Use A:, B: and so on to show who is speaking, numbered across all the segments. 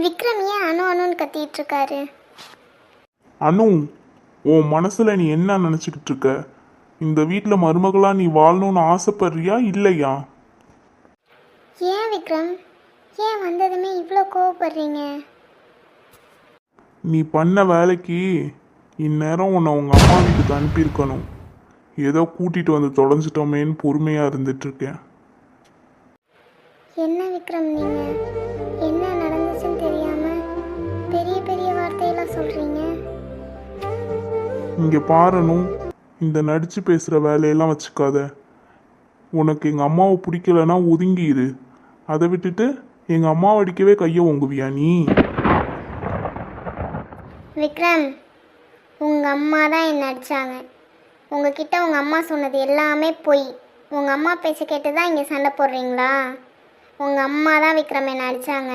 A: விக்ரம் ஏன் அணு அணுன்னு கத்திட்டு இருக்காரு?
B: அனு, உன் மனசுல நீ என்ன நினைச்சுக்கிட்டு இருக்க? இந்த வீட்டில் மருமகளா நீ வாழணும்னு ஆசைப்படுறியா இல்லையா?
A: ஏன் விக்ரம், ஏன் வந்ததுமே இவ்வளோ கோவப்படுறீங்க?
B: நீ பண்ண வேலைக்கு இந்நேரம் உன்னை உங்க அம்மா வீட்டுக்கு அனுப்பியிருக்கணும். ஏதோ கூட்டிட்டு வந்து தொலைஞ்சிட்டோமேன்னு பொறுமையா இருந்துட்டு இருக்கேன்.
A: என்ன விக்ரம், நீங்க என்ன நடந்துச்சுன்னு தெரியாம பெரிய பெரிய வார்த்தையெல்லாம் சொல்றீங்க.
B: இங்க பாரணும், இந்த நடிச்சு பேசுற வேலையெல்லாம் வச்சுக்காத. உனக்கு எங்க அம்மாவை பிடிக்கலன்னா ஒதுங்கிடு. அதை விட்டுட்டு எங்க அம்மாவை அடிக்கவே கையை ஓங்குவியா நீ?
A: விக்ரம், உங்கள் அம்மா தான் என்ன அடித்தாங்க. உங்ககிட்ட உங்கள் அம்மா சொன்னது எல்லாமே பொய். உங்கள் அம்மா பேச்ச கேட்டு தான் இங்கே சண்டை போடுறீங்களா? உங்கள் அம்மா தான் விக்ரம் என்ன அடித்தாங்க.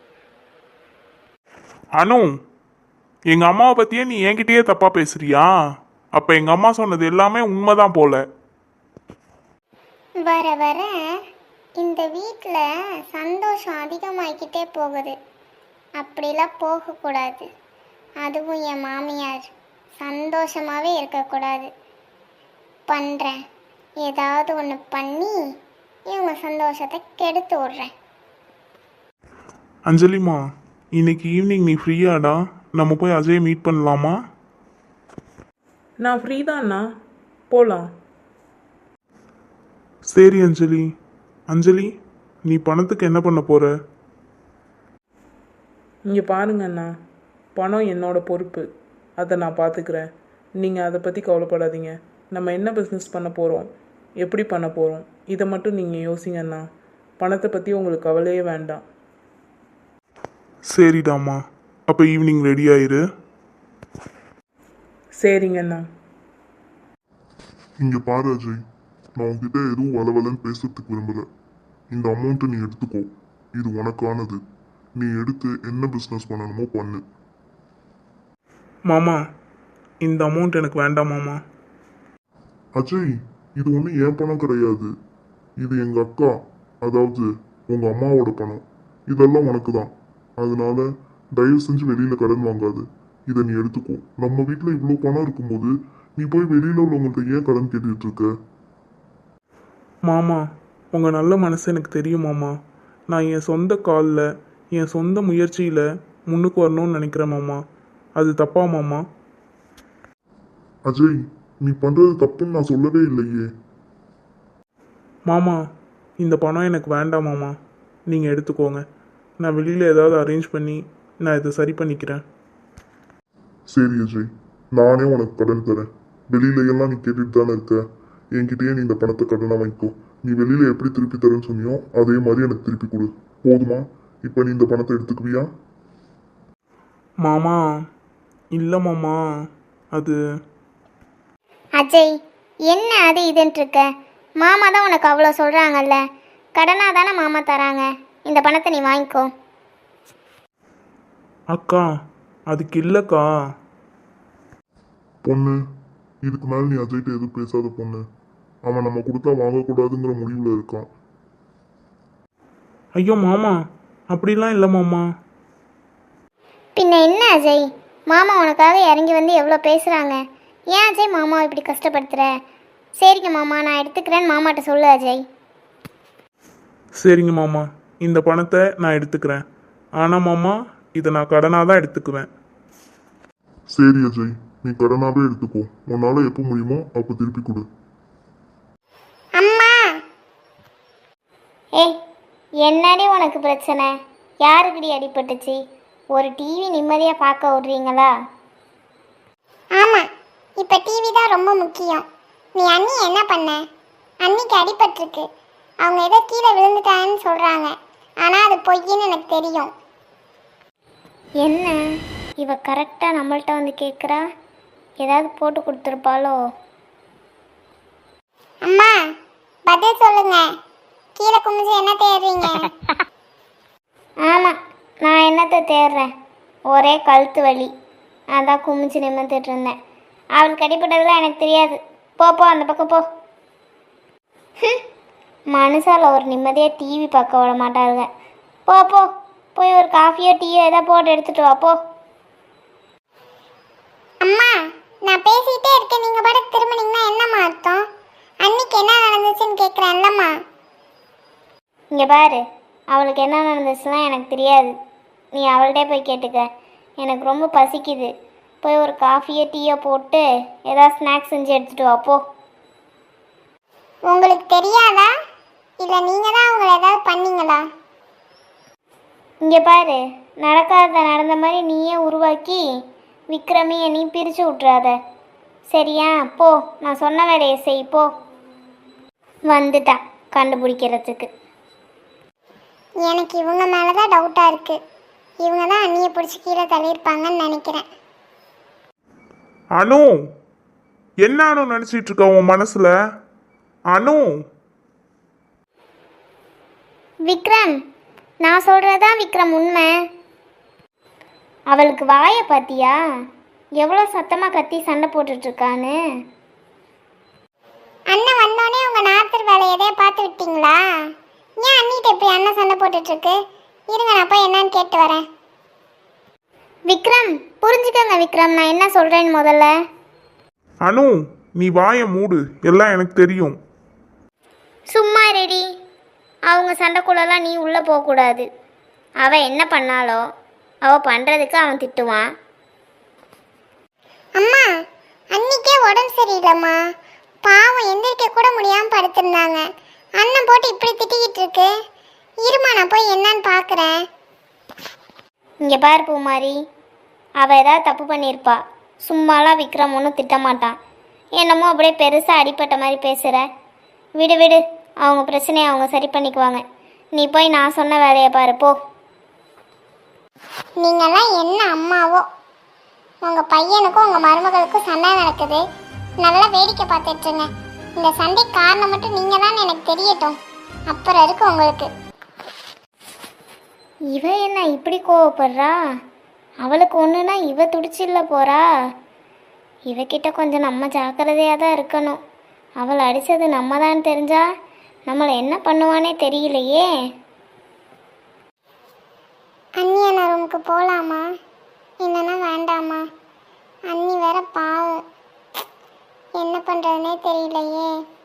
B: அனு, எங்க அம்மாவை பத்தியே நீ என்கிட்டயே தப்பா பேசுறியா? அப்ப எங்க அம்மா சொன்னது எல்லாமே உண்மைதான் போல.
A: வர வர இந்த வீட்டில் சந்தோஷம் அதிகமாகிக்கிட்டே போகுது. அப்படிலாம் போகக்கூடாது. அதுவும் என் மாமியார் சந்தோஷமாகவே இருக்கக்கூடாது. பண்ணுறேன், ஏதாவது ஒன்று பண்ணி இவங்க சந்தோஷத்தை கெடுத்து விட்றேன்.
B: அஞ்சலிமா, இன்னைக்கு ஈவினிங் நீ ஃப்ரீயாடா? நம்ம போய் அஜய் மீட் பண்ணலாமா?
C: நான் ஃப்ரீ தான்ண்ணா, போகலாம்.
B: சரி அஞ்சலி. அஞ்சலி, நீ பணத்துக்கு என்ன பண்ண போற?
C: இங்கே பாருங்கண்ணா, பணம் என்னோட பொறுப்பு. அதை நான் பார்த்துக்கிறேன். நீங்கள் அதை பற்றி கவலைப்படாதீங்க. நம்ம என்ன பிஸ்னஸ் பண்ண போகிறோம், எப்படி பண்ண போகிறோம், இதை மட்டும் நீங்கள் யோசிங்கண்ணா. பணத்தை பற்றி உங்களுக்கு கவலையே வேண்டாம்.
B: சரிடாமா, அப்போ ஈவினிங் ரெடி ஆயிரு.
C: சரிங்கண்ணா.
D: இங்க பாரு அஜய், நான் உன்கிட்ட எதுவும் வளவலன்னு பேசுறதுக்கு விரும்பல. இந்த அமௌண்ட்டை நீ எடுத்துக்கோ. இது உனக்கானது. நீ எடுத்து என்ன பிஸ்னஸ் பண்ணணுமோ பண்ணு.
B: மாமா, இந்த அமௌண்ட் எனக்கு வேண்டாம் மாமா.
D: அஜய், இது ஒன்றும் என் பணம் கிடையாது. இது எங்க அக்கா, அதாவது உங்க அம்மாவோட பணம். இதெல்லாம் உனக்கு தான். அதனால தயவு செஞ்சு வெளியில கடன் வாங்காது. இதை நீ எடுத்துக்கோ. நம்ம வீட்டில் இவ்வளோ பணம் இருக்கும்போது நீ போய் வெளியில உள்ளவங்கள்ட்ட ஏன் கடன் கேட்டுட்டு இருக்க?
B: மாமா, உங்கள் நல்ல மனசு எனக்கு தெரியும் மாமா. நான் என் சொந்த காலில் என் சொந்த முயற்சியில் முன்னுக்கு வரணும்னு நினைக்கிறேன் மாமா. அது தப்பா மாமா?
D: அஜய், நீ பண்றது தப்புன்னு நான் சொல்லவே இல்லையே.
B: மாமா, இந்த பணம் எனக்கு வேண்டாம் மாமா. நீங்கள் எடுத்துக்கோங்க. நான் வெளியில் ஏதாவது அரேஞ்ச் பண்ணி நான் இதை சரி பண்ணிக்கிறேன்.
D: சரி அஜய், நானே உனக்கு கடன் தரேன். வெளியில எல்லாம் நீ கேட்டுட்டு தானே இருக்க. என்கிட்டயே நீ இந்த பணத்தை கடனை வாங்கிக்கோ. நீ வெளியில எப்படி திருப்பி தரேன்னு சொன்னியோ அதே மாதிரி எனக்கு திருப்பி கொடு. போதுமா? இப்போ நீ இந்த பணத்தை எடுத்துக்குவியா?
B: மாமா, இல்லை மாமா, அது
A: அஜய், என்ன அது இதுன்ட்டு இருக்க? மாமா தான் உனக்கு அவ்வளோ சொல்கிறாங்கல்ல. கடனாக தானே மாமா தராங்க. இந்த பணத்தை நீ வாங்கிக்கோ.
B: அக்கா, அதுக்கு இல்லைக்கா.
D: பொண்ணு, இதுக்கு மேல நீ அஜய்கிட்ட எதுவும் பேசாத பொண்ணு. அவன் நம்ம கொடுத்தா வாங்கக்கூடாதுங்கிற முடிவில் இருக்கான்.
B: ஐயோ மாமா, அப்படிலாம் இல்லை மாமா.
A: பின்ன என்ன அஜய், மாமா உனக்காக இறங்கி வந்து எவ்வளோ பேசுகிறாங்க. ஏன் அஜய் மாமாவை இப்படி கஷ்டப்படுத்துகிற? சரிங்க மாமா, நான் எடுத்துக்கிறேன்னு மாமாட்ட சொல்லு அஜய்.
B: சரிங்க மாமா, இந்த பணத்தை நான் எடுத்துக்கிறேன். ஆனால் மாமா, இதை நான் கடனாக தான் எடுத்துக்குவேன்.
D: சரி அஜய், நீ கடனாவே எடுத்துக்கோ. உன்னால எப்போ முடியுமோ அப்போ திருப்பி கொடு.
A: அம்மா! ஏய், என்னடி உனக்கு பிரச்சனை? யாருக்குடி அடிபட்டுச்சு? ஒரு டிவி நிம்மதியாக பார்க்க விட்றீங்களா? ஆமாம், இப்போ டிவி தான் ரொம்ப முக்கியம். நீ அண்ணி என்ன பண்ண? அன்னிக்கு அடிபட்டிருக்கு. அவங்க ஏதோ கீழே விழுந்துட்டாங்கன்னு சொல்கிறாங்க. ஆனால் அது பொய்ன்னு எனக்கு தெரியும். என்ன இவ கரெக்டாக நம்மள்ட்ட வந்து கேட்குறா? ஏதாவது போட்டு கொடுத்துருப்பாளோ? அம்மா, பதில் சொல்லுங்க. கீழே குமிஞ்சு என்ன தேடுறீங்க? ஆமாம், நான் என்னத்தை தேடுறேன்? ஒரே கழுத்து வலி. அதான் குமிஞ்சு நிமிர்ந்துட்டு இருந்தேன். அவளுக்கு அடிப்பட்டதெல்லாம் எனக்கு தெரியாது. போ அந்த பக்கம் போ. மனுஷால ஒரு நிம்மதியாக டிவி பார்க்க விட மாட்டாளுங்க. போ போய் ஒரு காஃபியோ டீயோ ஏதோ போட்டு எடுத்துட்டு வா போ. அம்மா, நான் பேசிட்டே இருக்கேன், நீங்க பாட்டுக்கு திரும்பினீங்கன்னா என்னம்மா அர்த்தம்? அன்னைக்கு என்ன நடந்துச்சுன்னு கேட்குறேன்லம்மா. இங்கே பாரு, அவளுக்கு என்ன நடந்துச்சுலாம் எனக்கு தெரியாது. நீ அவள்கிட்டே போய் கேட்டுக்க. எனக்கு ரொம்ப பசிக்குது. போய் ஒரு காஃபியோ டீயோ போட்டு ஏதாவது ஸ்நாக்ஸ் செஞ்சு எடுத்துட்டு வா போ. உங்களுக்கு தெரியாதா, இல்லை நீங்கள் தான் அவங்கள ஏதாவது பண்ணீங்களா? இங்கே பாரு, நடக்காத நடந்த மாதிரி நீயே உருவாக்கி விக்ரமையை நீ பிரித்து விட்றாத, சரியா? போ, நான் சொன்ன வேலையை செய் போ. வந்துட்டா கண்டுபிடிக்கிறதுக்கு. எனக்கு இவங்க மேலே தான் டவுட்டாக இருக்குது. இவங்க தான் அண்ணியை பிடிச்சி கீழே தள்ளியிருப்பாங்கன்னு நினைக்கிறேன்.
B: அனு, என்ன அனு நினச்சிட்டு இருக்க உன் மனசுல? அனு,
A: விக்ரம், நான் சொல்கிறதான் விக்ரம் உண்மை. அவளுக்கு வாயை பார்த்தியா, எவ்வளோ சத்தமாக கத்தி சண்டை போட்டுட்ருக்கான்னு. அண்ணன் வந்தோடனே உங்கள் நாத்தர் வேலையை எதையா பார்த்து விட்டீங்களா? ஏன் அண்ணிட்ட இப்படி அண்ணன் சண்டை போட்டுட்ருக்கு? இருங்க, நான் போய் என்னன்னு கேட்டு வரேன். விக்ரம், புரிஞ்சுக்கங்க விக்ரம், நான் என்ன சொல்கிறேன்னு முதல்ல.
B: அனு, நீ வாயை மூடு, எல்லாம் எனக்கு தெரியும்.
A: சும்மா ரெடி. அவங்க சண்டைக்குள்ளலாம் நீ உள்ளே போகக்கூடாது. அவள் என்ன பண்ணாலோ அவள் பண்ணுறதுக்கு அவன் திட்டுவான். அம்மா, அன்னைக்கே உடம்பு சரியில்லைம்மா, பாவம் எந்திரிக்க கூட முடியாமல் படுத்திருந்தாங்க. அண்ணன் போட்டு இப்படி திட்டிக்கிட்டு இருக்கு. இருமா, நான் போய் என்னன்னு பார்க்குறேன். இங்கே பாரு பூமாரி, அவள் ஏதாவது தப்பு பண்ணியிருப்பா. சும்மாலாம் விக்ரம் ஒன்றும் திட்டமாட்டான். என்னமோ அப்படியே பெருசாக அடிப்பட்ட மாதிரி பேசுகிற. விடு விடு, அவங்க பிரச்சனையை அவங்க சரி பண்ணிக்குவாங்க. நீ போய் நான் சொன்ன வேலையை பாரு போ. நீங்கள்லாம் என்ன அம்மாவோ, உங்கள் பையனுக்கும் உங்கள் மருமகளுக்கும் சண்டை நடக்குது, நல்லா வேடிக்கை பார்த்துட்ருங்க. இந்த சண்டை காரணம் மட்டும் நீங்கள் தான் எனக்கு தெரியட்டும், அப்புறம் இருக்கு உங்களுக்கு. இவ என்ன இப்படி கோவப்படுறா? அவளுக்கு ஒன்றுனா இவ துடிச்சில்ல போகிறா. இவகிட்ட கொஞ்சம் நம்ம ஜாக்கிரதையாக தான் இருக்கணும். அவளை அடித்தது நம்ம தான் தெரிஞ்சா நம்மளை என்ன பண்ணுவானே தெரியலையே. அண்ணியான ரூமுக்கு போகலாமா இல்லைன்னா வேண்டாமா? அண்ணி வேற பாவம், என்ன பண்ணுறதுனே தெரியலையே.